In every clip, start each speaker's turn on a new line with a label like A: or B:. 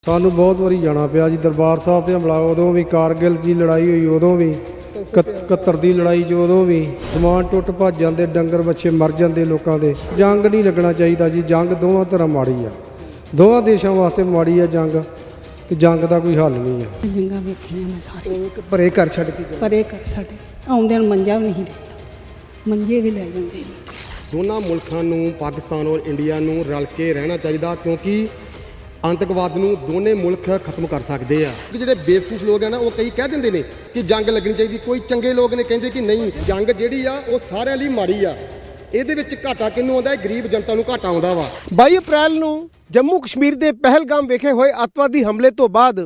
A: ਸਾਨੂੰ ਬਹੁਤ ਵਾਰੀ ਜਾਣਾ ਪਿਆ ਜੀ ਦਰਬਾਰ ਸਾਹਿਬ ਤੇ ਹਮਲਾ, ਉਦੋਂ ਵੀ ਕਾਰਗਿਲ ਦੀ ਲੜਾਈ ਹੋਈ, ਉਦੋਂ ਵੀ 71 ਦੀ ਲੜਾਈ 'ਚ, ਉਦੋਂ ਵੀ ਸਮਾਨ ਟੁੱਟ ਭੱਜ ਜਾਂਦੇ, ਡੰਗਰ ਬੱਚੇ ਮਰ ਜਾਂਦੇ ਲੋਕਾਂ ਦੇ। ਜੰਗ ਨਹੀਂ ਲੱਗਣਾ ਚਾਹੀਦਾ ਜੀ, ਜੰਗ ਦੋਵਾਂ ਤਰ੍ਹਾਂ ਮਾੜੀ ਆ, ਦੋਵਾਂ ਦੇਸ਼ਾਂ ਵਾਸਤੇ ਮਾੜੀ ਆ ਜੰਗ, ਤੇ ਜੰਗ ਦਾ ਕੋਈ ਹੱਲ ਨਹੀਂ ਆ।
B: ਜੰਗਾਂ ਵੇਖੀਆਂ ਮੈਂ ਸਾਰੀ,
C: ਪਰੇ ਘਰ ਛੱਡ ਕੇ
B: ਪਰੇ ਘਰ ਸਾਡੇ ਆਉਂਦੇ ਨੂੰ ਮੰਜਾ ਵੀ ਨਹੀਂ ਰਹਿੰਦਾ, ਮੰਜੇ ਵੀ ਲੈ ਜਾਂਦੇ ਨੇ।
D: ਦੋਨਾਂ ਮੁਲਕਾਂ ਨੂੰ, ਪਾਕਿਸਤਾਨ ਔਰ ਇੰਡੀਆ ਨੂੰ ਰਲ ਕੇ ਰਹਿਣਾ ਚਾਹੀਦਾ, ਕਿਉਂਕਿ आतंकवाद ਨੂੰ ਦੋਨੇ ਮੁਲਕ ਖਤਮ ਕਰ ਸਕਦੇ ਆ। ਜਿਹੜੇ ਬੇਵਕੂਫ ਲੋਕ ਆ ਨਾ, ਉਹ ਕਈ ਕਹਿ ਦਿੰਦੇ ਨੇ ਕਿ ਜੰਗ ਲੱਗਣੀ ਚਾਹੀਦੀ, ਕੋਈ ਚੰਗੇ ਲੋਕ ਨੇ ਕਹਿੰਦੇ ਕਿ ਨਹੀਂ, ਜੰਗ ਜਿਹੜੀ ਆ ਉਹ ਸਾਰਿਆਂ ਲਈ ਮਾੜੀ ਆ, ਇਹਦੇ ਵਿੱਚ ਘਾਟਾ ਕਿਹਨੂੰ ਆਉਂਦਾ ਹੈ? ਗਰੀਬ ਜਨਤਾ ਨੂੰ ਘਾਟਾ ਆਉਂਦਾ ਵਾ।
C: 22 ਅਪ੍ਰੈਲ ਨੂੰ ਜੰਮੂ ਕਸ਼ਮੀਰ ਦੇ ਪਹਿਲਗਾਮ ਵਿਖੇ ਹੋਏ ਅੱਤਵਾਦੀ ਹਮਲੇ ਤੋਂ ਬਾਅਦ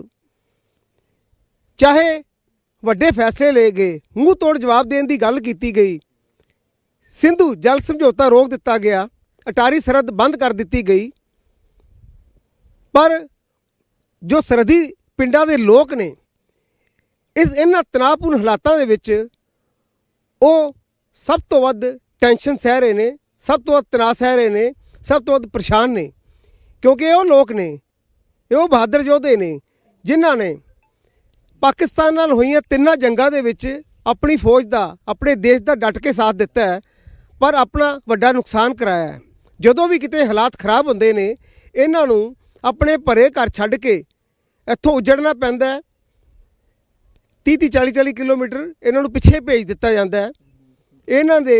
C: ਚਾਹੇ ਵੱਡੇ ਫੈਸਲੇ ਲਏ ਗਏ, ਮੂੰਹ ਤੋੜ ਜਵਾਬ ਦੇਣ ਦੀ ਗੱਲ ਕੀਤੀ ਗਈ, ਸਿੰਧੂ ਜਲ ਸਮਝੌਤਾ ਰੋਕ ਦਿੱਤਾ ਗਿਆ, ਅਟਾਰੀ ਸਰਹੱਦ ਬੰਦ ਕਰ ਦਿੱਤੀ ਗਈ, ਪਰ ਜੋ ਸਰਹੱਦੀ ਪਿੰਡਾਂ ਦੇ ਲੋਕ ਨੇ ਇਹਨਾਂ ਤਣਾਅਪੂਰਨ ਹਾਲਾਤਾਂ ਦੇ ਵਿੱਚ ਉਹ ਸਭ ਤੋਂ ਵੱਧ ਟੈਨਸ਼ਨ ਸਹਿ ਰਹੇ ਨੇ, ਸਭ ਤੋਂ ਵੱਧ ਤਣਾਅ ਸਹਿ ਰਹੇ ਨੇ, ਸਭ ਤੋਂ ਵੱਧ ਪਰੇਸ਼ਾਨ ਨੇ, ਕਿਉਂਕਿ ਉਹ ਲੋਕ ਨੇ, ਇਹ ਉਹ ਬਹਾਦਰ ਯੋਧੇ ਨੇ ਜਿਨ੍ਹਾਂ ਨੇ ਪਾਕਿਸਤਾਨ ਨਾਲ ਹੋਈਆਂ ਤਿੰਨਾਂ ਜੰਗਾਂ ਦੇ ਵਿੱਚ ਆਪਣੀ ਫੌਜ ਦਾ, ਆਪਣੇ ਦੇਸ਼ ਦਾ ਡਟ ਕੇ ਸਾਥ ਦਿੱਤਾ ਹੈ, ਪਰ ਆਪਣਾ ਵੱਡਾ ਨੁਕਸਾਨ ਕਰਾਇਆ ਹੈ। ਜਦੋਂ ਵੀ ਕਿਤੇ ਹਾਲਾਤ ਖਰਾਬ ਹੁੰਦੇ ਨੇ, ਇਹਨਾਂ ਨੂੰ ਆਪਣੇ ਭਰੇ ਘਰ ਛੱਡ ਕੇ ਇੱਥੋਂ ਉੱਜੜਨਾ ਪੈਂਦਾ ਹੈ। 30-30 40-40 ਕਿਲੋਮੀਟਰ ਇਹਨਾਂ ਨੂੰ ਪਿੱਛੇ ਭੇਜ ਦਿੱਤਾ ਜਾਂਦਾ ਹੈ। ਇਹਨਾਂ ਦੇ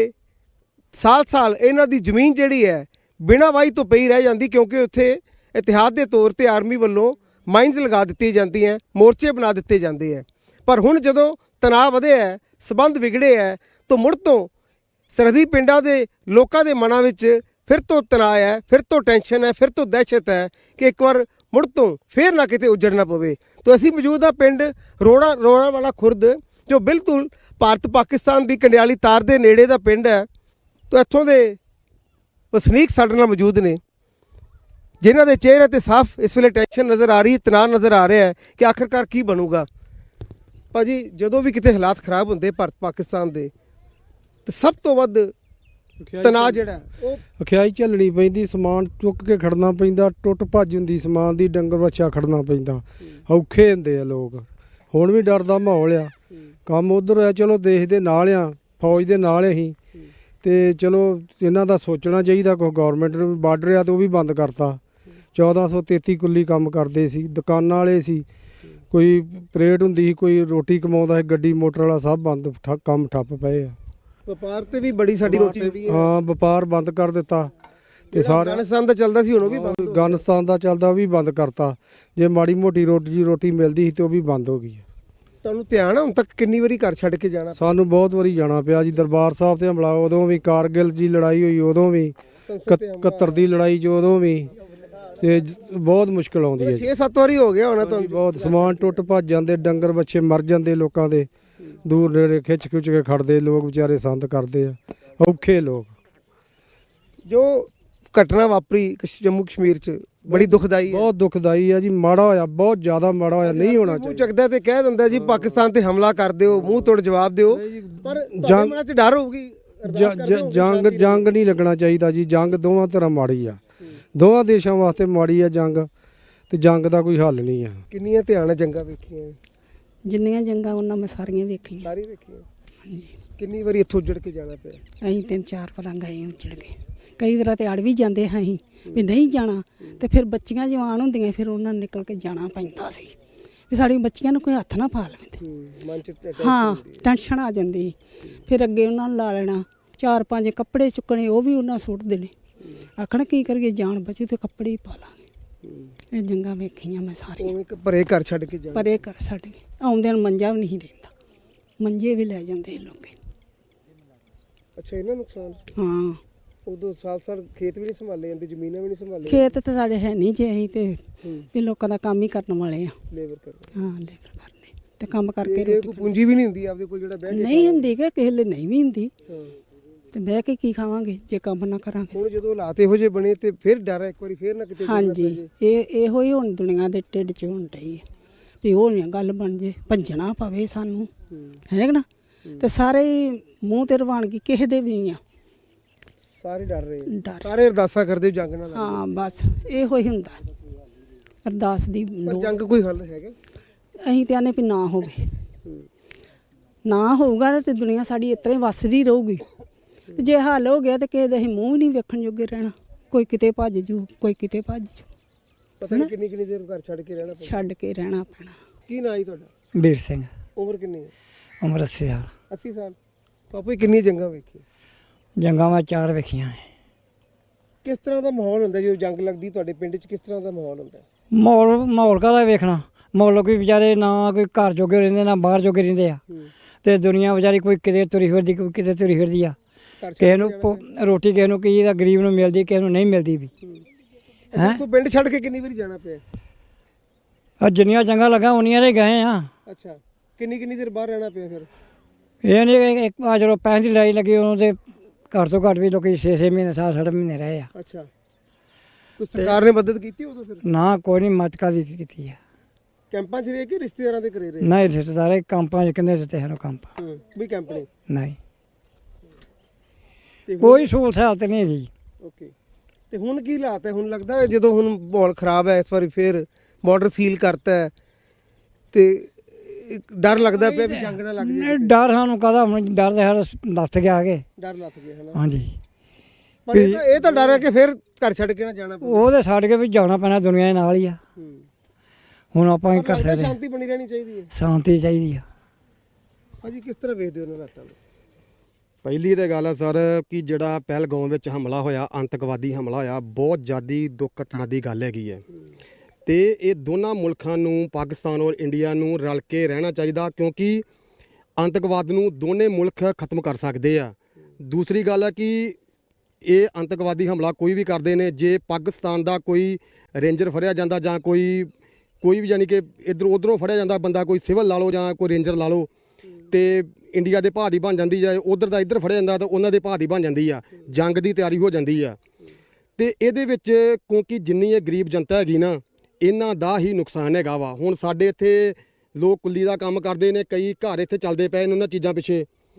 C: ਸਾਲ ਇਹਨਾਂ ਦੀ ਜ਼ਮੀਨ ਜਿਹੜੀ ਹੈ ਬਿਨਾਂ ਵਾਹੀ ਤੋਂ ਪਈ ਰਹਿ ਜਾਂਦੀ, ਕਿਉਂਕਿ ਉੱਥੇ ਇਤਿਹਾਦ ਦੇ ਤੌਰ ਤੇ ਆਰਮੀ ਵੱਲੋਂ ਮਾਈਨਸ ਲਗਾ ਦਿੱਤੀ ਜਾਂਦੀਆਂ, ਮੋਰਚੇ ਬਣਾ ਦਿੱਤੇ ਜਾਂਦੇ ਹੈ। ਪਰ ਹੁਣ ਜਦੋਂ ਤਣਾਅ ਵਧਿਆ ਹੈ, ਸਬੰਧ ਵਿਗੜੇ ਹੈ, ਤਾਂ ਮੁੜ ਤੋਂ ਸਰਹੱਦੀ ਪਿੰਡਾਂ ਦੇ ਲੋਕਾਂ ਦੇ ਮਨਾਂ ਵਿੱਚ ਫਿਰ ਤੋਂ ਤਣਾਅ ਹੈ, ਫਿਰ ਤੋਂ ਟੈਨਸ਼ਨ ਹੈ, ਫਿਰ ਤੋਂ ਦਹਿਸ਼ਤ ਹੈ ਕਿ ਇੱਕ ਵਾਰ ਮੁੜ ਤੋਂ ਫਿਰ ਨਾ ਕਿਤੇ ਉੱਜੜਨਾ ਪਵੇ। ਤਾਂ ਅਸੀਂ ਮੌਜੂਦ ਹਾਂ ਪਿੰਡ ਰੋਣਾ ਵਾਲਾ ਖੁਰਦ, ਜੋ ਬਿਲਕੁਲ ਭਾਰਤ ਪਾਕਿਸਤਾਨ ਦੀ ਕੰਡਿਆਲੀ ਤਾਰ ਦੇ ਨੇੜੇ ਦਾ ਪਿੰਡ ਹੈ। ਤਾਂ ਇੱਥੋਂ ਦੇ ਵਸਨੀਕ ਸਾਡੇ ਨਾਲ ਮੌਜੂਦ ਨੇ, ਜਿਨ੍ਹਾਂ ਦੇ ਚਿਹਰੇ 'ਤੇ ਸਾਫ਼ ਇਸ ਵੇਲੇ ਟੈਨਸ਼ਨ ਨਜ਼ਰ ਆ ਰਹੀ, ਤਣਾਅ ਨਜ਼ਰ ਆ ਰਿਹਾ ਹੈ ਕਿ ਆਖਰਕਾਰ ਕੀ ਬਣੂਗਾ। ਭਾਜੀ, ਜਦੋਂ ਵੀ ਕਿਤੇ ਹਾਲਾਤ ਖਰਾਬ ਹੁੰਦੇ ਭਾਰਤ ਪਾਕਿਸਤਾਨ ਦੇ, ਤਾਂ ਸਭ ਤੋਂ ਵੱਧ ਤਣਾਅ ਜਿਹੜਾ ਉਹ
A: ਅਖਿਆਈ ਝੱਲਣੀ ਪੈਂਦੀ, ਸਮਾਨ ਚੁੱਕ ਕੇ ਖੜਨਾ ਪੈਂਦਾ, ਟੁੱਟ ਭੱਜ ਹੁੰਦੀ ਸਮਾਨ ਦੀ, ਡੰਗਰ ਬੱਚਾ ਖੜਨਾ ਪੈਂਦਾ, ਔਖੇ ਹੁੰਦੇ ਆ ਲੋਕ। ਹੁਣ ਵੀ ਡਰ ਦਾ ਮਾਹੌਲ ਆ, ਕੰਮ ਉਧਰ ਆ, ਚਲੋ ਦੇਸ਼ ਦੇ ਨਾਲ ਆ, ਫੌਜ ਦੇ ਨਾਲ ਅਸੀਂ, ਤੇ ਚਲੋ ਇਹਨਾਂ ਦਾ ਸੋਚਣਾ ਚਾਹੀਦਾ। ਕੋਈ ਗੌਰਮੈਂਟ ਨੂੰ ਬਾਰਡਰ ਆ ਤੇ ਉਹ ਵੀ ਬੰਦ ਕਰਤਾ। 1433 ਕੁੱਲੀ ਕੰਮ ਕਰਦੇ ਸੀ, ਦੁਕਾਨਾਂ ਵਾਲੇ ਸੀ, ਕੋਈ ਪਰੇਡ ਹੁੰਦੀ ਸੀ, ਕੋਈ ਰੋਟੀ ਕਮਾਉਂਦਾ ਸੀ, ਗੱਡੀ ਮੋਟਰ ਵਾਲਾ ਸਭ ਬੰਦ, ਕੰਮ ਠੱਪ ਪਏ ਆ।
C: ਵਪਾਰ ਤੇ ਵੀ ਬੜੀ ਸਾਡੀ ਰੋਟੀ ਜਿਹੜੀ ਹੈ,
A: ਹਾਂ, ਵਪਾਰ ਬੰਦ ਕਰ ਦਿੱਤਾ। ਤੇ ਸਾਰੇ
C: ਅਫਗਾਨਿਸਤਾਨ ਦਾ ਚੱਲਦਾ ਸੀ, ਹੁਣ ਉਹ ਵੀ ਬੰਦ,
A: ਅਫਗਾਨਿਸਤਾਨ ਦਾ ਚੱਲਦਾ, ਉਹ ਵੀ ਬੰਦ ਕਰਤਾ। ਜੇ ਮਾੜੀ ਮੋਟੀ ਰੋਟੀ ਮਿਲਦੀ ਸੀ ਤੇ ਉਹ ਵੀ ਬੰਦ ਹੋ ਗਈ।
C: ਤੁਹਾਨੂੰ ਧਿਆਨ ਆ ਹੁਣ ਤੱਕ ਕਿੰਨੀ ਵਾਰੀ ਘਰ ਛੱਡ ਕੇ ਜਾਣਾ?
A: ਸਾਨੂੰ ਬਹੁਤ ਵਾਰੀ ਜਾਣਾ ਪਿਆ ਜੀ ਦਰਬਾਰ ਸਾਹਿਬ ਤੇ ਹਮਲਾ, ਉਦੋਂ ਵੀ ਕਾਰਗਿਲ ਦੀ ਲੜਾਈ ਹੋਈ, ਉਦੋਂ ਵੀ 71 ਦੀ ਲੜਾਈ 'ਚ, ਉਦੋਂ ਵੀ, ਤੇ ਬਹੁਤ ਮੁਸ਼ਕਲ ਆਉਂਦੀ ਹੈ।
C: 6-7 ਵਾਰੀ ਹੋ ਗਿਆ ਹੋਣਾ ਤੁਹਾਨੂੰ।
A: ਬਹੁਤ ਸਮਾਨ ਟੁੱਟ ਭੱਜ ਜਾਂਦੇ, ਡੰਗਰ ਬੱਚੇ ਮਰ ਜਾਂਦੇ ਲੋਕਾਂ ਦੇ, ਦੂਰ ਨੇੜੇ ਖਿੱਚ ਕੇ ਖੜਦੇ ਲੋਕ, ਵਿਚਾਰੇ ਸੰਦ ਕਰਦੇ ਆ, ਔਖੇ ਲੋਕ।
C: ਜੋ ਘਟਨਾ ਵਾਪਰੀ ਜੰਮੂ ਕਸ਼ਮੀਰ 'ਚ ਬੜੀ ਦੁਖਦਾਈ ਹੈ,
A: ਬਹੁਤ ਦੁਖਦਾਈ ਆ ਜੀ, ਮਾੜਾ ਹੋਇਆ, ਬਹੁਤ ਜ਼ਿਆਦਾ ਮਾੜਾ ਹੋਇਆ, ਨਹੀਂ ਹੋਣਾ
C: ਮੂੰਹ
A: ਚਾਹੀਦਾ।
C: ਚੱਕਦਾ ਤੇ ਕਹਿ ਦਿੰਦਾ ਜੀ ਪਾਕਿਸਤਾਨ ਤੇ ਹਮਲਾ ਕਰ ਦਿਓ, ਮੂੰਹ ਤੋੜ ਜਵਾਬ ਦਿਓ, ਪਰ ਤੁਹਾਡੇ ਮਨਾਂ 'ਚ ਡਰ ਹੋਊਗੀ।
A: ਜੰਗ ਨਹੀਂ ਲੱਗਣਾ ਚਾਹੀਦਾ ਜੀ, ਜੰਗ ਦੋਵਾਂ ਤਰ੍ਹਾਂ ਮਾੜੀ ਆ, ਦੋਵਾਂ ਦੇਸ਼ਾਂ ਵਾਸਤੇ ਮਾੜੀ ਆ ਜੰਗ, ਤੇ ਜੰਗ ਦਾ ਕੋਈ ਹੱਲ ਨਹੀਂ ਆ।
C: ਕਿੰਨੀਆਂ ਧਿਆਨ ਨਾਲ ਜੰਗਾਂ ਵੇਖੀਆਂ?
B: ਜਿੰਨੀਆਂ ਜੰਗਾਂ ਉਹਨਾਂ ਮੈਂ ਸਾਰੀਆਂ ਵੇਖੀਆਂ।
C: ਸਾਰੀ ਵੇਖੀਆਂ। ਕਿੰਨੀ ਵਾਰੀ ਇੱਥੋਂ ਉੱਜੜ ਕੇ ਜਾਣਾ ਪਿਆ?
B: ਅਸੀਂ 3-4 ਵਾਰਾਂ ਗਏ, ਉੱਜੜ ਗਏ। ਕਈ ਵਾਰ ਤੇ ਅੜ ਵੀ ਜਾਂਦੇ ਹਾਂ ਅਸੀਂ ਵੀ ਨਹੀਂ ਜਾਣਾ, ਤੇ ਫਿਰ ਬੱਚੀਆਂ ਜਵਾਨ ਹੁੰਦੀਆਂ, ਫਿਰ ਉਹਨਾਂ ਨੂੰ ਨਿਕਲ ਕੇ ਜਾਣਾ ਪੈਂਦਾ ਸੀ ਵੀ ਸਾਡੀਆਂ ਬੱਚੀਆਂ ਨੂੰ ਕੋਈ ਹੱਥ ਨਾ ਪਾ ਲਵੇ।
C: ਮਨ 'ਚ
B: ਹਾਂ, ਟੈਨਸ਼ਨ ਆ ਜਾਂਦੀ। ਫਿਰ ਅੱਗੇ ਉਹਨਾਂ ਨੂੰ ਲਾ ਲੈਣਾ, 4-5 ਕੱਪੜੇ ਚੁੱਕਣੇ, ਉਹ ਵੀ ਉਹਨਾਂ ਸੁੱਟ ਦੇਣੇ, ਆਖਣ ਕੀ ਕਰੀਏ, ਜਾਨ ਬਚੀ ਤੇ ਕੱਪੜੇ ਹੀ ਪਾ ਲਾਂਗੇ। ਇਹ ਜੰਗਾਂ ਵੇਖੀਆਂ ਮੈਂ ਸਾਰੀਆਂ।
C: ਪਰੇ ਘਰ ਛੱਡ ਕੇ ਜਾਣਾ?
B: ਪਰੇ ਘਰ ਸਾਡੇ ਆਉਂਦੇ ਨੂੰ ਮੰਜਾ ਵੀ ਨਹੀਂ ਰਹਿੰਦਾ, ਮੰਜੇ ਵੀ ਲੈ ਜਾਂਦੇ ਲੋਕ।
C: ਅੱਛਾ, ਇਹਨਾਂ ਨੁਕਸਾਨ?
B: ਹਾਂ,
C: ਉਦੋਂ ਸਾਲ ਖੇਤ ਵੀ ਨਹੀਂ ਸੰਭਾਲੇ ਜਾਂਦੇ, ਜ਼ਮੀਨਾਂ ਵੀ ਨਹੀਂ ਸੰਭਾਲੇ।
B: ਖੇਤ ਤਾਂ ਸਾਡੇ ਹੈ ਨਹੀਂ ਜੇ, ਅਸੀਂ ਤੇ ਵੀ ਲੋਕਾਂ ਦਾ ਕੰਮ ਹੀ ਕਰਨ ਵਾਲੇ ਆ।
C: ਲੇਬਰ ਕਰਦੇ?
B: ਹਾਂ, ਲੇਬਰ ਕਰਦੇ ਤੇ ਕੰਮ ਕਰਕੇ
C: ਕੋਈ ਪੂੰਜੀ ਵੀ ਨਹੀਂ ਹੁੰਦੀ ਆਪਦੇ ਕੋਲ ਜਿਹੜਾ ਬਹਿ ਕੇ?
B: ਨਹੀਂ ਹੁੰਦੀ, ਕਿ ਕਿਸੇ ਲਈ ਨਹੀਂ ਵੀ ਹੁੰਦੀ,
C: ਹਾਂ,
B: ਤੇ ਬਹਿ ਕੇ ਕੀ ਖਾਵਾਂਗੇ ਜੇ ਕੰਮ ਨਾ ਕਰਾਂਗੇ।
C: ਹੁਣ ਜਦੋਂ ਹਾਲਾਤ ਇਹੋ ਜਿਹੇ ਬਣੇ ਤੇ ਫਿਰ ਡਰ ਹੈ ਇੱਕ ਵਾਰੀ ਫਿਰ ਨਾ ਕਿਤੇ।
B: ਹਾਂਜੀ, ਇਹੋ ਹੀ ਹੁਣ ਦੁਨੀਆ ਦੇ ਢਿੱਡ 'ਚ ਹੋਣ ਡਈ ਹੈ ਵੀ ਉਹ ਨਹੀਂ ਗੱਲ ਬਣ ਜੇ, ਭੱਜਣਾ ਪਵੇ ਸਾਨੂੰ, ਹੈ ਨਾ। ਤੇ ਸਾਰੇ ਮੂੰਹ ਤੇ ਰਵਾਨਗੀ ਕਿਸੇ ਦੇ ਵੀ ਨਹੀਂ ਆ,
C: ਸਾਰੇ ਡਰ ਰਹੇ,
B: ਡਰ।
C: ਸਾਰੇ ਅਰਦਾਸਾਂ ਕਰਦੇ ਜੰਗ ਨਾਲ।
B: ਹਾਂ, ਬਸ ਇਹੋ ਹੀ ਹੁੰਦਾ। ਅਰਦਾਸ ਦੀ
C: ਪਰ
B: ਲੋੜ।
C: ਜੰਗ ਕੋਈ ਹੱਲ ਹੈਗਾ?
B: ਅਸੀਂ ਤੇ ਆਨੇ ਵੀ ਨਾ ਹੋਵੇ, ਨਾ ਹੋਊਗਾ ਤੇ ਦੁਨੀਆ ਸਾਡੀ ਇਸ ਤਰ੍ਹਾਂ ਹੀ ਵੱਸਦੀ ਰਹੂਗੀ। ਤੇ ਜੇ ਹੱਲ ਹੋ ਗਿਆ ਤੇ ਕਿਸੇ ਦੇ ਅਸੀਂ ਮੂੰਹ ਵੀ ਨਹੀਂ ਵੇਖਣ ਜੋਗੇ ਰਹਿਣਾ। ਕੋਈ ਕਿਤੇ ਭੱਜ ਜੂ, ਕੋਈ ਕਿਤੇ ਭੱਜ ਜੂ,
C: ਪਤਾ ਨਹੀਂ ਕਿੰਨੀ ਕਿੰਨੀ ਦੇਰ ਘਰ ਛੱਡ ਕੇ ਰਹਿਣਾ ਪੈਂਦਾ।
B: ਛੱਡ ਕੇ ਰਹਿਣਾ ਪੈਣਾ।
C: ਕੀ ਨਾਂ ਜੀ ਤੁਹਾਡਾ?
E: ਵੀਰ ਸਿੰਘ,
C: ਉਮਰ ਕਿੰਨੀ ਹੈ?
E: ਉਮਰ 80 ਸਾਲ।
C: 80 ਸਾਲ। ਬਾਪੂ ਜੀ ਕਿੰਨੀ ਜੰਗਾਂ ਵੇਖੀ?
E: ਜੰਗਾਂ ਮੈਂ 4 ਵੇਖੀਆਂ ਨੇ।
C: ਕਿਸ ਤਰ੍ਹਾਂ ਦਾ ਮਾਹੌਲ ਹੁੰਦਾ ਜਦੋਂ ਜੰਗ ਲੱਗਦੀ ਤੁਹਾਡੇ ਪਿੰਡ 'ਚ? ਕਿਸ ਤਰ੍ਹਾਂ ਦਾ ਮਾਹੌਲ ਹੁੰਦਾ?
E: ਮਾਹੌਲ ਕਾਹਦਾ ਵੇਖਣਾ? ਮਾਹੌਲ ਕੋਈ ਵਿਚਾਰੇ ਨਾ ਕੋਈ ਘਰ ਜੋਗੇ ਰਹਿੰਦੇ ਨਾ ਬਾਹਰ ਜੋਗੇ ਰਹਿੰਦੇ ਆ, ਤੇ ਦੁਨੀਆ ਵਿਚਾਰੀ ਕੋਈ ਕਿਤੇ ਤੁਰੀ ਫਿਰਦੀ, ਕੋਈ ਕਿਤੇ ਤੁਰੀ ਫਿਰਦੀ ਆ। ਕਿਸੇ ਨੂੰ ਰੋਟੀ ਕਿਸੇ ਨੂੰ ਕੀ ਦਾ ਗਰੀਬ ਨੂੰ ਮਿਲਦੀ, ਕਿਸੇ ਨੂੰ ਨਹੀਂ ਮਿਲਦੀ ਵੀ।
C: ਹੈਂ? ਤੂੰ ਪਿੰਡ ਛੱਡ ਕੇ ਕਿੰਨੀ ਵਾਰੀ ਜਾਣਾ ਪਿਆ?
E: ਆ ਜਿੰਨੀਆਂ ਜੰਗਾਂ ਲੱਗਾ ਉਨੀਆਂ ਦੇ ਗਏ ਆ।
C: ਅੱਛਾ, ਕਿੰਨੀ ਕਿੰਨੀ ਦੇਰ ਬਾਹਰ ਰਹਿਣਾ ਪਿਆ ਫਿਰ?
E: ਇਹ ਨਹੀਂ ਇੱਕ ਆ ਜਦੋਂ ਪੈਸੇ ਦੀ ਲੜਾਈ ਲੱਗੀ ਉਦੋਂ ਤੇ ਘੱਟ ਤੋਂ ਘੱਟ ਵੀ ਲੋਕੀ 6-6 ਮਹੀਨੇ 7-8 ਮਹੀਨੇ ਰਹੇ ਆ।
C: ਅੱਛਾ, ਕੋਈ ਸਰਕਾਰ ਨੇ ਮਦਦ ਕੀਤੀ ਉਦੋਂ ਫਿਰ?
E: ਨਾ ਕੋਈ ਨਹੀਂ ਮਦਦ ਕਾਹਦੀ ਕੀਤੀ ਆ।
C: ਕੈਂਪਾਂ 'ਚ ਰਹੇ ਕਿ ਰਿਸ਼ਤੇਦਾਰਾਂ ਦੇ ਘਰੇ ਰਹੇ?
E: ਨਹੀਂ ਰਿਸ਼ਤੇਦਾਰ ਕੰਪਾਂ 'ਚ ਕਿੰਨੇ ਦਿੱਤੇ ਸਾਨੂੰ ਕੰਪ?
C: ਵੀ ਕੈਂਪ ਨੇ?
E: ਨਹੀਂ
C: ਤੇ
E: ਕੋਈ ਸਹੂਲਤ ਹਾਲਤ ਨਹੀਂ ਜੀ।
C: ਓਕੇ, ਤੇ ਹੁਣ ਕੀ ਹਾਲਾਤ ਹੈ? ਹੁਣ ਲੱਗਦਾ ਹੈ ਜਦੋਂ ਹੁਣ ਮਾਹੌਲ ਖਰਾਬ ਹੈ, ਇਸ ਵਾਰੀ ਫਿਰ ਬਾਰਡਰ ਸੀਲ ਕਰਤਾ ਹੈ, ਤੇ ਇੱਕ ਡਰ ਲੱਗਦਾ ਪਿਆ ਵੀ ਜੰਗ ਨਾ ਲੱਗ
E: ਨਹੀਂ
C: ਜਾਏ।
E: ਡਰ ਸਾਨੂੰ ਕਾਹਦਾ? ਹੁਣ ਡਰ ਤੇ ਸਾਡਾ ਲੱਥ ਗਿਆ ਕੇ।
C: ਡਰ ਲੱਥ ਗਿਆ ਹੈ ਨਾ?
E: ਹਾਂਜੀ,
C: ਪਰ ਇਹ ਤਾਂ ਡਰ ਹੈ ਕਿ ਫਿਰ ਘਰ ਛੱਡ ਕੇ ਨਾ ਜਾਣਾ ਪਵੇ।
E: ਉਹਦੇ ਛੱਡ ਕੇ ਵੀ ਜਾਣਾ ਪੈਣਾ, ਦੁਨੀਆ ਦੇ ਨਾਲ ਹੀ ਆ। ਹੁਣ ਆਪਾਂ ਕੀ ਕਰ ਸਕਦੇ?
C: ਸ਼ਾਂਤੀ ਬਣੀ ਰਹਿਣੀ ਚਾਹੀਦੀ ਹੈ।
E: ਸ਼ਾਂਤੀ ਚਾਹੀਦੀ ਆ।
C: ਭਾਜੀ ਕਿਸ ਤਰ੍ਹਾਂ ਵੇਖਦੇ ਹੋ ਉਹਨਾਂ ਹਾਲਾਤਾਂ ਨੂੰ?
D: ਪਹਿਲੀ ਤਾਂ ਗੱਲ ਹੈ ਸਰ ਕਿ ਜਿਹੜਾ ਪਹਿਲਗਾਮ ਵਿੱਚ ਹਮਲਾ ਹੋਇਆ, ਅੰਤਕਵਾਦੀ ਹਮਲਾ ਹੋਇਆ, ਬਹੁਤ ਜ਼ਿਆਦੀ ਦੁੱਖ ਘਟਨਾ ਦੀ ਗੱਲ ਹੈਗੀ ਹੈ। ਤੇ ਇਹ ਦੋਨਾਂ ਮੁਲਕਾਂ ਨੂੰ, ਪਾਕਿਸਤਾਨ ਔਰ ਇੰਡੀਆ ਨੂੰ ਰਲ ਕੇ ਰਹਿਣਾ ਚਾਹੀਦਾ, ਕਿਉਂਕਿ ਅੰਤਕਵਾਦ ਨੂੰ ਦੋਨੇ ਮੁਲਕ ਖਤਮ ਕਰ ਸਕਦੇ ਆ। ਦੂਸਰੀ ਗੱਲ ਹੈ ਕਿ ਇਹ ਅੰਤਕਵਾਦੀ ਹਮਲਾ ਕੋਈ ਵੀ ਕਰਦੇ ਨੇ, ਜੇ ਪਾਕਿਸਤਾਨ ਦਾ ਕੋਈ ਰੇਂਜਰ ਫੜਿਆ ਜਾਂਦਾ ਜਾਂ ਕੋਈ ਵੀ ਯਾਨੀ ਕਿ ਇੱਧਰੋਂ ਉੱਧਰੋਂ ਫੜਿਆ ਜਾਂਦਾ ਬੰਦਾ, ਕੋਈ ਸਿਵਲ ਲਾ ਲਓ ਜਾਂ ਕੋਈ ਰੇਂਜਰ ਲਾ ਲਓ, ਤੇ ਇੰਡੀਆ ਦੇ ਭਾਅ ਦੀ ਬਣ ਜਾਂਦੀ ਜਾਂ ਉਧਰ ਦਾ ਇੱਧਰ ਫੜਿਆ ਜਾਂਦਾ ਤਾਂ ਉਹਨਾਂ ਦੇ ਭਾਅ ਦੀ ਬਣ ਜਾਂਦੀ ਆ, ਜੰਗ ਦੀ ਤਿਆਰੀ ਹੋ ਜਾਂਦੀ ਆ। ਤੇ ਇਹਦੇ ਵਿੱਚ ਕਿਉਂਕਿ ਜਿੰਨੀ ਇਹ ਗਰੀਬ ਜਨਤਾ ਹੈਗੀ ਨਾ, ਇਹਨਾਂ ਦਾ ਹੀ ਨੁਕਸਾਨ ਹੈਗਾ ਵਾ। ਹੁਣ ਸਾਡੇ ਇੱਥੇ ਲੋਕ ਕੁੱਲੀ ਦਾ ਕੰਮ ਕਰਦੇ ਨੇ, ਕਈ ਘਰ ਇੱਥੇ ਚੱਲਦੇ ਪਏ ਨੇ ਉਹਨਾਂ ਚੀਜ਼ਾਂ ਪਿੱਛੇ,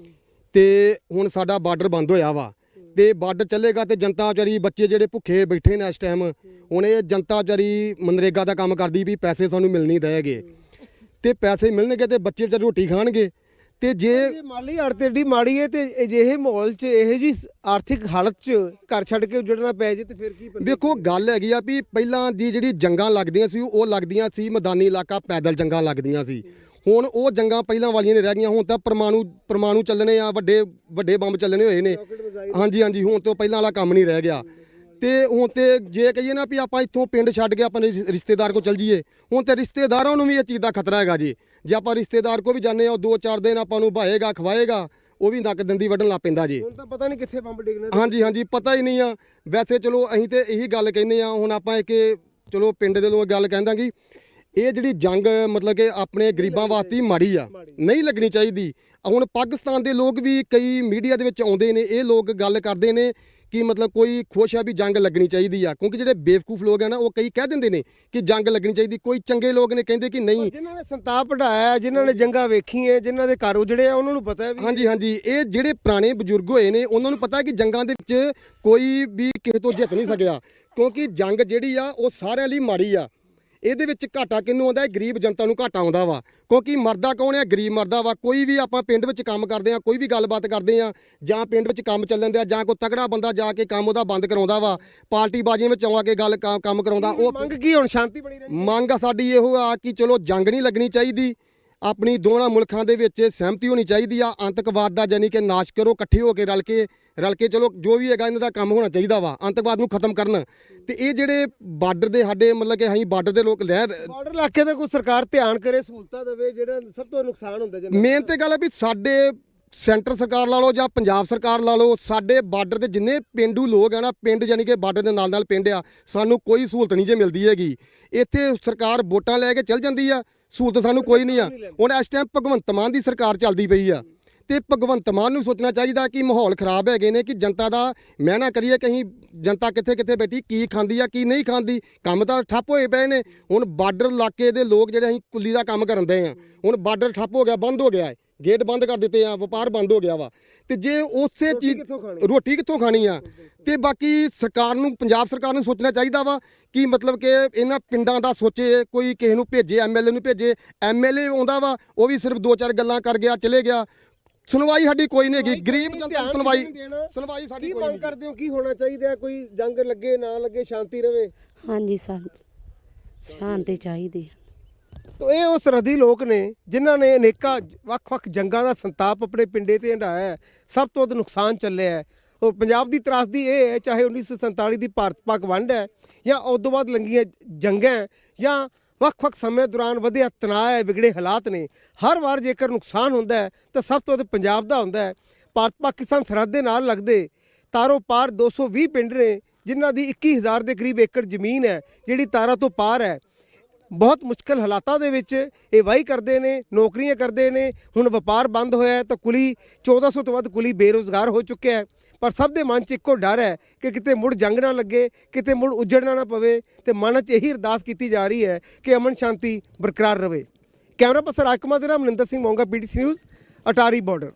D: ਤੇ ਹੁਣ ਸਾਡਾ ਬਾਰਡਰ ਬੰਦ ਹੋਇਆ ਵਾ, ਤੇ ਬਾਰਡਰ ਚੱਲੇਗਾ ਤੇ ਜਨਤਾ ਵਿਚਾਰੀ, ਬੱਚੇ ਜਿਹੜੇ ਭੁੱਖੇ ਬੈਠੇ ਨੇ ਇਸ ਟਾਈਮ, ਹੁਣ ਇਹ ਜਨਤਾ ਵਿਚਾਰੀ ਮਨਰੇਗਾ ਦਾ ਕੰਮ ਕਰਦੀ ਵੀ ਪੈਸੇ ਸਾਨੂੰ ਮਿਲ ਨਹੀਂ ਦੇਗੇ, ਤੇ ਪੈਸੇ ਮਿਲਣਗੇ ਤੇ ਬੱਚੇ ਵਿਚਾਰੇ ਰੋਟੀ ਖਾਣਗੇ। ਤੇ ਜੇ
C: ਮਾਲੀ ਹਾਲਤ ਏਡੀ ਮਾੜੀ ਹੈ ਤੇ ਅਜਿਹੇ ਮਾਹੌਲ 'ਚ ਇਹੋ ਜਿਹੀ ਆਰਥਿਕ ਹਾਲਤ 'ਚ ਘਰ ਛੱਡ ਕੇ ਉੱਜੜਨਾ ਪੈ ਜੇ ਤੇ ਫਿਰ ਕੀ?
D: ਵੇਖੋ ਗੱਲ ਹੈਗੀ ਆ ਵੀ ਪਹਿਲਾਂ ਦੀ ਜਿਹੜੀ ਜੰਗਾਂ ਲੱਗਦੀਆਂ ਸੀ ਉਹ ਲੱਗਦੀਆਂ ਸੀ ਮੈਦਾਨੀ ਇਲਾਕਾ, ਪੈਦਲ ਜੰਗਾਂ ਲੱਗਦੀਆਂ ਸੀ। ਹੁਣ ਉਹ ਜੰਗਾਂ ਪਹਿਲਾਂ ਵਾਲੀਆਂ ਨਹੀਂ ਰਹਿ ਗਈਆਂ, ਹੁਣ ਤਾਂ ਪਰਮਾਣੂ ਚੱਲਣੇ ਆ, ਵੱਡੇ ਬੰਬ ਚੱਲਣੇ ਹੋਏ ਨੇ। ਹਾਂਜੀ, ਹੁਣ ਤੋਂ ਪਹਿਲਾਂ ਵਾਲਾ ਕੰਮ ਨਹੀਂ ਰਹਿ ਗਿਆ। ਤੇ ਹੁਣ ਤੇ ਜੇ ਕਹੀਏ ਨਾ ਵੀ ਆਪਾਂ ਇੱਥੋਂ ਪਿੰਡ ਛੱਡ ਕੇ ਆਪਣੇ ਰਿਸ਼ਤੇਦਾਰ ਕੋਲ ਚੱਲ ਜਾਈਏ, ਹੁਣ ਤੇ ਰਿਸ਼ਤੇਦਾਰਾਂ ਨੂੰ ਵੀ ਇਹ ਚੀਜ਼ ਦਾ ਖਤਰਾ ਹੈਗਾ ਜੀ। ਜੇ ਆਪਾਂ ਰਿਸ਼ਤੇਦਾਰ ਕੋ ਵੀ ਜਾਂਦੇ ਆ, ਉਹ 2-4 ਦਿਨ ਆਪਾਂ ਨੂੰ ਭਾਏਗਾ, ਖਵਾਏਗਾ, ਉਹ ਵੀ ਨੱਕ ਦੰਦੀ ਵੱਢਣ ਲੱਗ ਪੈਂਦਾ ਜੀ।
C: ਹੁਣ ਤਾਂ ਪਤਾ ਨਹੀਂ ਕਿੱਥੇ ਬੰਬ ਡਿੱਗਣਾ।
D: ਹਾਂਜੀ, ਪਤਾ ਹੀ ਨਹੀਂ ਆ। ਵੈਸੇ ਚਲੋ ਅਸੀਂ ਤੇ ਇਹੀ ਗੱਲ ਕਹਿੰਦੇ ਆ, ਹੁਣ ਆਪਾਂ ਕਿ ਚਲੋ ਪਿੰਡ ਦੇ ਲੋਕ ਗੱਲ ਕਹਿੰਦਾ ਕਿ ਇਹ ਜਿਹੜੀ ਜੰਗ ਮਤਲਬ ਕਿ ਆਪਣੇ ਗਰੀਬਾਂ ਵਾਸਤੇ ਮਾੜੀ ਆ, ਨਹੀਂ ਲੱਗਣੀ ਚਾਹੀਦੀ। ਹੁਣ ਪਾਕਿਸਤਾਨ ਦੇ ਲੋਕ ਵੀ ਕਈ ਮੀਡੀਆ ਦੇ ਵਿੱਚ ਆਉਂਦੇ ਨੇ, ਇਹ ਲੋਕ ਗੱਲ ਕਰਦੇ ਨੇ ਕਿ ਮਤਲਬ ਕੋਈ ਖੁਸ਼ ਆ ਵੀ ਜੰਗ ਲੱਗਣੀ ਚਾਹੀਦੀ ਆ, ਕਿਉਂਕਿ ਜਿਹੜੇ ਬੇਵਕੂਫ ਲੋਕ ਆ ਨਾ ਉਹ ਕਈ ਕਹਿ ਦਿੰਦੇ ਨੇ ਕਿ ਜੰਗ ਲੱਗਣੀ ਚਾਹੀਦੀ, ਕੋਈ ਚੰਗੇ ਲੋਕ ਨੇ ਕਹਿੰਦੇ ਕਿ ਨਹੀਂ।
C: ਜਿਨ੍ਹਾਂ ਨੇ ਸੰਤਾਪ ਵਢਾਇਆ, ਜਿਨ੍ਹਾਂ ਨੇ ਜੰਗਾਂ ਵੇਖੀਆਂ, ਜਿਨ੍ਹਾਂ ਦੇ ਘਰ ਉਜੜੇ ਆ, ਉਹਨਾਂ ਨੂੰ ਪਤਾ ਹੈ ਵੀ
D: ਹਾਂਜੀ, ਇਹ ਜਿਹੜੇ ਪੁਰਾਣੇ ਬਜ਼ੁਰਗ ਹੋਏ ਨੇ ਉਹਨਾਂ ਨੂੰ ਪਤਾ ਹੈ ਕਿ ਜੰਗਾਂ ਦੇ ਵਿੱਚ ਕੋਈ ਵੀ ਕਿਸੇ ਤੋਂ ਜਿੱਤ ਨਹੀਂ ਸਕਿਆ, ਕਿਉਂਕਿ ਜੰਗ ਜਿਹੜੀ ਆ ਉਹ ਸਾਰਿਆਂ ਲਈ ਮਾੜੀ ਆ। ਇਹਦੇ ਵਿੱਚ ਘਾਟਾ ਕਿਹਨੂੰ ਆਉਂਦਾ ਹੈ? ਗਰੀਬ ਜਨਤਾ ਨੂੰ ਘਾਟਾ ਆਉਂਦਾ ਵਾ, ਕਿਉਂਕਿ ਮਰਦਾ ਕੌਣ ਹੈ? ਗਰੀਬ ਮਰਦਾ ਵਾ। ਕੋਈ ਵੀ ਆਪਾਂ ਪਿੰਡ ਵਿੱਚ ਕੰਮ ਕਰਦੇ ਆ, ਕੋਈ ਵੀ ਗੱਲਬਾਤ ਕਰਦੇ ਆ, ਜਾਂ ਪਿੰਡ ਵਿੱਚ ਕੰਮ ਚੱਲਣ ਦਿਆ, ਜਾਂ ਕੋਈ ਤਕੜਾ ਬੰਦਾ ਜਾ ਕੇ ਕੰਮ ਉਹਦਾ ਬੰਦ ਕਰਾਉਂਦਾ ਵਾ, ਪਾਰਟੀ ਬਾਜ਼ੀਆਂ ਵਿੱਚ ਆ ਕੇ ਕੰਮ ਕਰਾਉਂਦਾ। ਉਹ
C: ਮੰਗ ਕੀ ਹੁਣ? ਸ਼ਾਂਤੀ ਬਣੀ ਰਹਿਣੀ।
D: ਮੰਗ ਸਾਡੀ ਇਹੋ ਆ ਕਿ ਚਲੋ ਜੰਗ ਨਹੀਂ ਲੱਗਣੀ ਚਾਹੀਦੀ, ਆਪਣੀ ਦੋਵਾਂ ਮੁਲਕਾਂ ਦੇ ਵਿੱਚ ਸਹਿਮਤੀ ਹੋਣੀ ਚਾਹੀਦੀ ਆ, ਅੰਤਕਵਾਦ ਦਾ ਯਾਨੀ ਕਿ ਨਾਸ਼ ਕਰੋ, ਇਕੱਠੇ ਹੋ ਕੇ ਰਲ ਕੇ ਚਲੋ ਜੋ ਵੀ ਹੈਗਾ ਇਹਨਾਂ ਦਾ ਕੰਮ ਹੋਣਾ ਚਾਹੀਦਾ ਵਾ, ਅੰਤਕਵਾਦ ਨੂੰ ਖਤਮ ਕਰਨ। ਤੇ ਇਹ ਜਿਹੜੇ ਬਾਰਡਰ ਦੇ ਸਾਡੇ ਮਤਲਬ ਕਿ ਅਸੀਂ ਬਾਰਡਰ ਦੇ ਲੋਕ
C: ਬਾਰਡਰ ਇਲਾਕੇ ਤੇ ਕੋਈ ਸਰਕਾਰ ਧਿਆਨ ਕਰੇ, ਸਹੂਲਤਾਂ ਦੇਵੇ, ਜਿਹੜਾ ਸਭ ਤੋਂ ਨੁਕਸਾਨ ਹੁੰਦਾ ਜੀ।
D: ਮੇਨ ਤੇ ਗੱਲ ਹੈ ਵੀ ਸਾਡੇ ਸੈਂਟਰ ਸਰਕਾਰ ਲਾ ਲਓ ਜਾਂ ਪੰਜਾਬ ਸਰਕਾਰ ਲਾ ਲਓ, ਸਾਡੇ ਬਾਰਡਰ ਦੇ ਜਿੰਨੇ ਪਿੰਡੂ ਲੋਕ ਆ ਨਾ, ਪਿੰਡ ਯਾਨੀ ਕਿ ਬਾਰਡਰ ਦੇ ਨਾਲ ਪਿੰਡ ਆ, ਸਾਨੂੰ ਕੋਈ ਸਹੂਲਤ ਨਹੀਂ ਜੇ ਮਿਲਦੀ ਹੈਗੀ। ਇੱਥੇ ਸਰਕਾਰ ਵੋਟਾਂ ਲੈ ਕੇ ਚੱਲ ਜਾਂਦੀ ਆ, ਸਹੂਲਤ ਸਾਨੂੰ ਕੋਈ ਨਹੀਂ ਆ। ਹੁਣ ਇਸ ਟਾਈਮ ਭਗਵੰਤ ਮਾਨ ਦੀ ਸਰਕਾਰ ਚੱਲਦੀ ਪਈ ਆ, ਤੇ ਭਗਵੰਤ ਮਾਨ ਨੂੰ ਸੋਚਣਾ ਚਾਹੀਦਾ ਕਿ ਮਾਹੌਲ ਖਰਾਬ ਹੈਗੇ ਨੇ, ਕਿ ਜਨਤਾ ਦਾ ਮੈਂ ਨਾ ਕਰੀਏ ਕਿ ਅਸੀਂ ਜਨਤਾ ਕਿੱਥੇ ਬੈਠੀ, ਕੀ ਖਾਂਦੀ ਆ ਕੀ ਨਹੀਂ ਖਾਂਦੀ, ਕੰਮ ਤਾਂ ਠੱਪ ਹੋਏ ਪਏ ਨੇ। ਹੁਣ ਬਾਰਡਰ ਇਲਾਕੇ ਦੇ ਲੋਕ ਜਿਹੜੇ ਅਸੀਂ ਕੁੱਲੀ ਦਾ ਕੰਮ ਕਰਨ ਦੇ ਆ, ਹੁਣ ਬਾਰਡਰ ਠੱਪ ਹੋ ਗਿਆ, ਬੰਦ ਹੋ ਗਿਆ ਹੈ, ਗੇਟ ਬੰਦ ਕਰ ਦਿੱਤੇ ਆ, ਵਪਾਰ ਬੰਦ ਹੋ ਗਿਆ ਵਾ। ਤੇ ਜੇ ਉਸੇ ਚੀਜ਼ ਰੋਟੀ ਕਿੱਥੋਂ ਖਾਣੀ ਆ? ਤੇ ਬਾਕੀ ਸਰਕਾਰ ਨੂੰ, ਪੰਜਾਬ ਸਰਕਾਰ ਨੂੰ ਸੋਚਣਾ ਚਾਹੀਦਾ ਵਾ ਕਿ ਮਤਲਬ ਕਿ ਇਹਨਾਂ ਪਿੰਡਾਂ ਦਾ ਸੋਚੇ, ਕੋਈ ਕਿਸੇ ਨੂੰ ਭੇਜੇ, ਐਮਐਲਏ ਨੂੰ ਭੇਜੇ। ਐਮਐਲਏ ਆਉਂਦਾ ਵਾ, ਉਹ ਵੀ ਸਿਰਫ 2-4 ਗੱਲਾਂ ਕਰ ਗਿਆ, ਚਲੇ ਗਿਆ। ਸੁਣਵਾਈ ਸਾਡੀ ਕੋਈ ਨਹੀਂ ਹੈਗੀ, ਗਰੀਬ ਜਨਤਾ ਦੀ ਸੁਣਵਾਈ ਸਾਡੀ ਕੋਈ ਨਹੀਂ।
C: ਕੀ ਕਰਦੇ ਹੋ, ਕੀ ਹੋਣਾ ਚਾਹੀਦਾ? ਕੋਈ ਜੰਗ ਲੱਗੇ ਨਾ ਲੱਗੇ, ਸ਼ਾਂਤੀ ਰਵੇ?
F: ਹਾਂਜੀ ਸ਼ਾਂਤੀ ਚਾਹੀਦੀ ਹੈ।
C: ਤੋ ਇਹ ਉਹ ਸਰਹੱਦੀ ਲੋਕ ਨੇ ਜਿਨ੍ਹਾਂ ਨੇ ਅਨੇਕਾਂ ਵੱਖ-ਵੱਖ ਜੰਗਾਂ ਦਾ ਸੰਤਾਪ ਆਪਣੇ ਪਿੰਡੇ ਤੇ ਹੰਢਾਇਆ ਹੈ। ਸਭ ਤੋਂ ਵੱਧ ਨੁਕਸਾਨ ਚੱਲਿਆ ਹੈ। ਉਹ ਪੰਜਾਬ ਦੀ ਤਰਾਸਦੀ ਇਹ ਹੈ, ਚਾਹੇ 1947 ਦੀ ਭਾਰਤ ਪਾਕ ਵੰਡ ਹੈ ਜਾਂ ਉਸ ਤੋਂ ਬਾਅਦ ਲੰਘੀਆਂ ਜੰਗਾਂ ਜਾਂ ਵੱਖ-ਵੱਖ ਸਮੇਂ ਦੌਰਾਨ ਵਧਿਆ ਤਣਾਅ ਹੈ, ਵਿਗੜੇ ਹਾਲਾਤ ਨੇ। ਹਰ ਵਾਰ ਜੇਕਰ ਨੁਕਸਾਨ ਹੁੰਦਾ ਹੈ ਤਾਂ ਸਭ ਤੋਂ ਵੱਧ ਪੰਜਾਬ ਦਾ ਹੁੰਦਾ ਹੈ। ਭਾਰਤ ਪਾਕਿਸਤਾਨ ਸਰਹੱਦ ਦੇ ਨਾਲ ਲੱਗਦੇ ਤਾਰੋਂ ਪਾਰ 220 ਪਿੰਡ ਨੇ ਜਿਨ੍ਹਾਂ ਦੀ 21,000 ਦੇ ਕਰੀਬ ਏਕੜ ਜ਼ਮੀਨ ਹੈ ਜਿਹੜੀ ਤਾਰਾਂ ਤੋਂ ਪਾਰ ਹੈ। ਬਹੁਤ ਮੁਸ਼ਕਲ ਹਾਲਾਤਾਂ ਦੇ ਵਿੱਚ ਇਹ ਵਾਹੀ ਕਰਦੇ ਨੇ, ਨੌਕਰੀਆਂ ਕਰਦੇ ਨੇ। ਹੁਣ ਵਪਾਰ ਬੰਦ ਹੋਇਆ ਤਾਂ ਕੁਲੀ 1400 ਤੋਂ ਵੱਧ ਕੁਲੀ ਬੇਰੁਜ਼ਗਾਰ ਹੋ ਚੁੱਕਿਆ ਹੈ। ਪਰ ਸਭ ਦੇ ਮਨ 'ਚ ਇੱਕੋ ਡਰ ਹੈ ਕਿ ਕਿਤੇ ਮੁੜ ਜੰਗ ਨਾ ਲੱਗੇ, ਕਿਤੇ ਮੁੜ ਉਜੜਨਾ ਨਾ ਪਵੇ। ਤੇ ਮਨ 'ਚ ਇਹੀ ਅਰਦਾਸ ਕੀਤੀ ਜਾ ਰਹੀ ਹੈ ਕਿ ਅਮਨ ਸ਼ਾਂਤੀ ਬਰਕਰਾਰ ਰਵੇ। ਕੈਮਰਾ ਪਰਸਨ ਰਾਜ ਕੁਮਾਰ ਦੇ ਨਾਲ Maninder Singh Monga, PTC news, Attari border.